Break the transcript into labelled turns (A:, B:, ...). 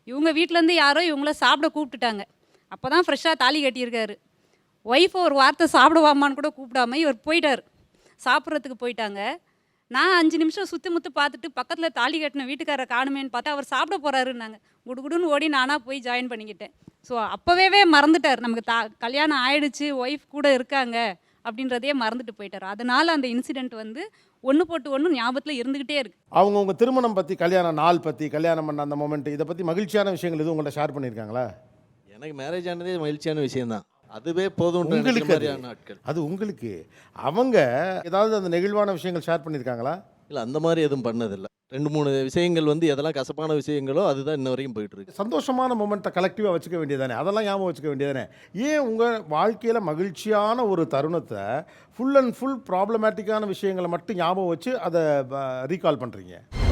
A: இவங்க வீட்டிலேருந்து யாரோ இவங்கள சாப்பிட கூப்பிட்டுட்டாங்க. அப்போ தான் ஃப்ரெஷ்ஷாக தாலி கட்டியிருக்காரு. ஒய்ஃப் ஒரு வார்த்தை சாப்பிடுவாமான்னு கூட கூப்பிடாம இவர் போயிட்டார். சாப்பிட்றதுக்கு போயிட்டாங்க. நான் 5 நிமிஷம் சுற்றி முத்து பார்த்துட்டு பக்கத்தில் தாலி கட்டின வீட்டுக்காரரை காணுமேன்னு பார்த்தா அவர் சாப்பிட போகிறாருன்னாங்க. குடுகுடுன்னு ஓடி நானாக போய் ஜாயின் பண்ணிக்கிட்டேன். ஸோ அப்போவே மறந்துட்டார். நமக்கு கல்யாணம் ஆயிடுச்சு, ஒய்ஃப் கூட இருக்காங்க அப்படின்றதையே மறந்துட்டு போயிட்டார். அதனால் அந்த இன்சிடெண்ட் வந்து ஒன்று போட்டு ஒன்று ஞாபகத்தில் இருந்துக்கிட்டே இருக்குது.
B: அவங்க உங்கள் திருமணம் பற்றி, கல்யாண நாள் பற்றி, கல்யாணம் பண்ண அந்த மொமெண்ட், இதை பற்றி மகிழ்ச்சியான விஷயங்கள் எதுவும் உங்கள்கிட்ட ஷேர் பண்ணியிருக்காங்களா?
C: எனக்கு மேரேஜ் ஆனதே மகிழ்ச்சியான விஷயம்தான். அதுவே போதும்
B: உங்களுக்கு
C: மாதிரியான நாட்கள்.
B: அது உங்களுக்கு அவங்க ஏதாவது அந்த நெகிழ்வான விஷயங்கள் ஷேர் பண்ணியிருக்காங்களா?
C: இல்லை, அந்த மாதிரி எதுவும் பண்ணதில்லை. 2-3 விஷயங்கள் வந்து எதெல்லாம் கசப்பான விஷயங்களோ அதுதான் இன்ன வரைக்கும் போயிட்டு இருக்கு.
B: சந்தோஷமான மொமெண்ட்டை கலெக்டிவாக வச்சுக்க வேண்டியதானே, அதெல்லாம் ஞாபகம் வச்சுக்க வேண்டியதானே. ஏன் உங்கள் வாழ்க்கையில் மகிழ்ச்சியான ஒரு தருணத்தை ஃபுல் அண்ட் ஃபுல் ப்ராப்ளமேட்டிக்கான விஷயங்களை மட்டும் ஞாபகம் வச்சு அதை ரீகால் பண்ணுறீங்க?